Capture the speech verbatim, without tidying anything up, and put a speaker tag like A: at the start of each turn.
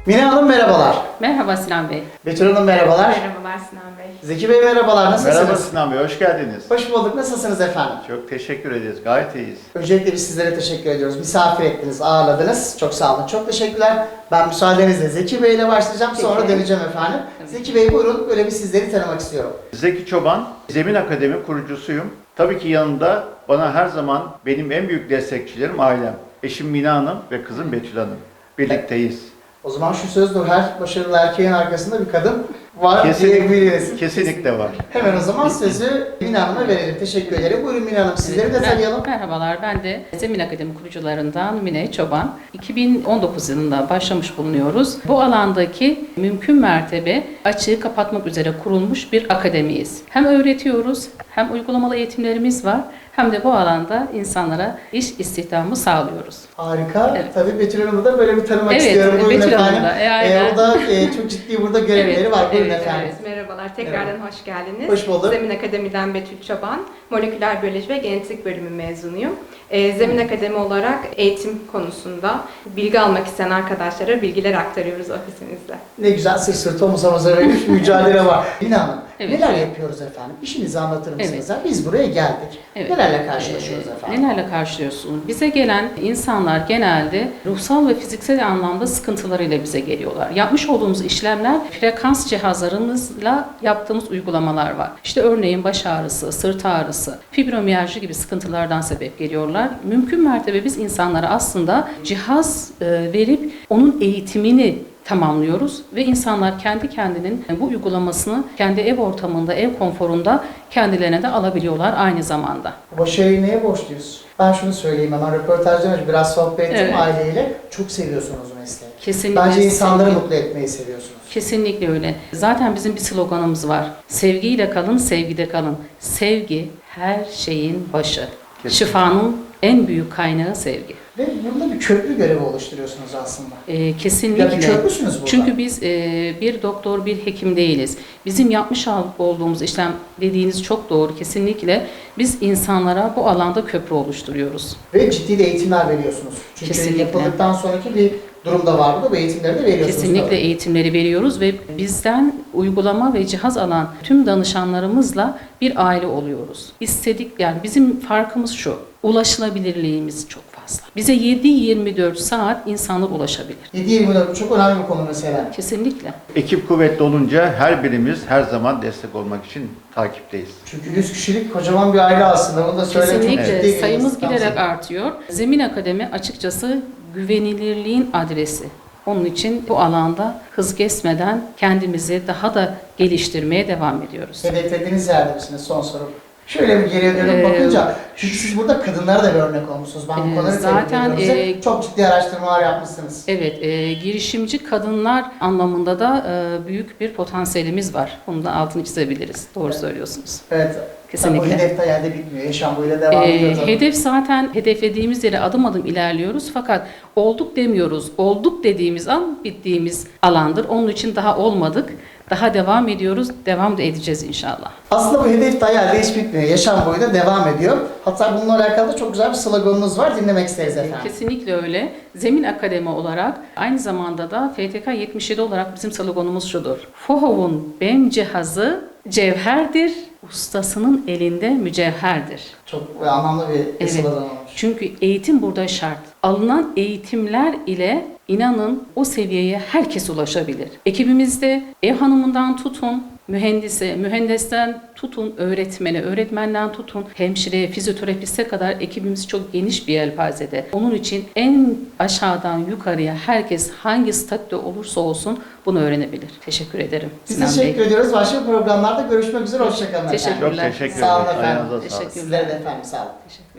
A: Mine Hanım merhabalar.
B: Merhaba Sinan Bey.
A: Betül Hanım merhabalar.
C: Merhabalar Sinan Bey.
A: Zeki Bey merhabalar, nasılsınız?
D: Merhaba Sinan Bey, hoş geldiniz.
A: Hoş bulduk, nasılsınız efendim?
D: Çok teşekkür ederiz, gayet iyiyiz.
A: Öncelikle biz sizlere teşekkür ediyoruz. Misafir ettiniz, ağırladınız. Çok sağ olun, çok teşekkürler. Ben müsaadenizle Zeki Bey ile başlayacağım, sonra
B: Peki.
A: döneceğim efendim.
B: Tabii.
A: Zeki Bey buyurun, böyle bir sizleri tanımak istiyorum.
D: Zeki Çoban, Zemin Akademi kurucusuyum. Tabii ki yanında bana her zaman benim en büyük destekçilerim ailem. Eşim Mine Hanım ve kızım Betül Hanım. Birlikteyiz.
A: O zaman şu sözdür, her başarılı erkeğin arkasında bir kadın var
D: Kesinlikle,
A: diyebiliriz.
D: kesinlikle var.
A: Hemen o zaman sözü Mine Hanım'a verelim. Teşekkür ederim. Buyurun Mine Hanım, sizleri de
B: Mer-
A: tanıyalım.
B: Merhabalar, ben de Zemin Akademi kurucularından Mine Çoban. iki bin on dokuz yılında başlamış bulunuyoruz. Bu alandaki mümkün mertebe açığı kapatmak üzere kurulmuş bir akademiyiz. Hem öğretiyoruz, hem uygulamalı eğitimlerimiz var, hem de bu alanda insanlara iş istihdamı sağlıyoruz.
A: Harika.
B: Evet.
A: Tabii Betül Hanım'ı da böyle bir tanımak
B: Evet,
A: istiyorum. Buyurun
B: Betül Hanım
A: efendim.
B: da, e, aynen.
A: o da e, çok ciddi burada görevleri
B: Evet,
A: var. Buyurun
B: evet,
A: efendim.
C: Evet, merhabalar. Tekrardan hoş geldiniz.
A: Hoş bulduk.
C: Zemin Akademi'den Betül Çoban. Moleküler biyoloji ve genetik bölümü mezunuyum. Ee, Zemin Akademi olarak eğitim konusunda bilgi almak isteyen arkadaşlara bilgiler aktarıyoruz ofisimizde.
A: Ne güzel, sırt sırta omuz omuza verilmiş bir mücadele var. Mine Hanım,
B: Evet.
A: neler yapıyoruz efendim? İşinizi anlatır mısınız?
B: Evet.
A: Biz buraya geldik.
B: Evet.
A: Nelerle karşılaşıyoruz
B: Ee,
A: efendim?
B: Nelerle karşılıyorsunuz? Bize gelen insanlar genelde ruhsal ve fiziksel anlamda sıkıntılarıyla bize geliyorlar. Yapmış olduğumuz işlemler frekans cihazlarımızla yaptığımız uygulamalar var. İşte örneğin baş ağrısı, sırt ağrısı, fibromiyalji gibi sıkıntılardan sebep geliyorlar. Mümkün mertebe biz insanlara aslında cihaz e, verip onun eğitimini tamamlıyoruz ve insanlar kendi kendinin bu uygulamasını kendi ev ortamında, ev konforunda kendilerine de alabiliyorlar aynı zamanda.
A: Başarıyı neye borçluyuz? Ben şunu söyleyeyim hemen, röportajdan önce biraz sohbet ettim
B: Evet.
A: aileyle. Çok seviyorsunuz mesleği.
B: Kesinlikle.
A: Bence insanları
B: sevgi-
A: mutlu etmeyi seviyorsunuz.
B: Kesinlikle öyle. Zaten bizim bir sloganımız var. Sevgiyle kalın, sevgide kalın. Sevgi her şeyin başı.
D: Kesinlikle.
B: Şifanın en büyük kaynağı sevgi.
A: Ve burada bir köprü görevi oluşturuyorsunuz aslında.
B: Ee, kesinlikle.
A: Ya bir köprüsünüz burada.
B: Çünkü biz e, bir doktor, bir hekim değiliz. Bizim yapmış olduğumuz işlem dediğiniz çok doğru. Kesinlikle biz insanlara bu alanda köprü oluşturuyoruz.
A: Ve ciddi de eğitimler veriyorsunuz. Çünkü
B: Kesinlikle.
A: yapıldıktan sonraki bir durumda var burada. Bu eğitimleri de veriyorsunuz.
B: Kesinlikle
A: tabii.
B: eğitimleri veriyoruz ve bizden uygulama ve cihaz alan tüm danışanlarımızla bir aile oluyoruz. İstedik, yani bizim farkımız şu: ulaşılabilirliğimiz çok fazla. Bize yedi yirmi dört saat insanlar ulaşabilir.
A: yedi yirmi dört çok önemli bir konu mesela.
B: Kesinlikle.
D: Ekip kuvvetli olunca her birimiz her zaman destek olmak için takipteyiz.
A: Çünkü yüz kişilik kocaman bir aile aslında. Bunu da söylemek çok ciddi
B: Kesinlikle
A: bir
B: sayımız
A: insan.
B: giderek artıyor. Zemin Akademi açıkçası güvenilirliğin adresi. Onun için bu alanda hız kesmeden kendimizi daha da geliştirmeye devam ediyoruz.
A: Hedeflediğiniz yerde misiniz? Son soru. Şöyle bir geriye dönüp
B: Ee,
A: bakınca, çünkü siz burada kadınlara da bir örnek olmuşsunuz. Ben bu
B: Ee,
A: konuda
B: zaten,
A: tebrik ediyorum size.
B: e,
A: Çok ciddi araştırmalar yapmışsınız.
B: Evet, e, girişimci kadınlar anlamında da e, büyük bir potansiyelimiz var. Bunu da altını çizebiliriz. Doğru
A: Evet.
B: söylüyorsunuz.
A: Evet.
B: Kesinlikle.
A: Tabii bu hedef de yerde bitmiyor. Yaşam boyuyla devam
B: E,
A: ediyor tabii.
B: hedef zaten hedeflediğimiz yere adım adım ilerliyoruz. Fakat olduk demiyoruz. Olduk dediğimiz an bittiğimiz alandır. Onun için daha olmadık. Daha devam ediyoruz. Devam da edeceğiz inşallah.
A: Aslında bu hedef de hayalde hiç bitmiyor. Yaşam boyu da devam ediyor. Hatta bununla alakalı da çok güzel bir sloganınız var. Dinlemek isteriz efendim.
B: Kesinlikle öyle. Zemin Akademi olarak aynı zamanda da F T K yetmiş yedi olarak bizim sloganımız şudur: FOHOV'un B E M cihazı cevherdir, ustasının elinde mücevherdir.
A: Çok anlamlı bir
B: Evet.
A: slogan olmuş.
B: Çünkü eğitim burada şart. Alınan eğitimler ile inanın o seviyeye herkes ulaşabilir. Ekibimizde ev hanımından tutun mühendise, mühendesten tutun öğretmene, öğretmenden tutun hemşireye, fizyoterapiste kadar ekibimiz çok geniş bir yelpazede. Onun için en aşağıdan yukarıya herkes hangi statüde olursa olsun bunu öğrenebilir. Teşekkür ederim.
A: Biz
B: Sinan
A: teşekkür
B: Bey.
A: ediyoruz. Başka programlarda görüşmek üzere. Hoşçakalın efendim.
B: Teşekkür-
D: Çok teşekkür
A: Sağ olun
D: ederiz.
A: efendim.
D: Ayağınıza sağlık.
B: Teşekkür-
A: Sizlere de efendim sağ olun.
B: Teşekkür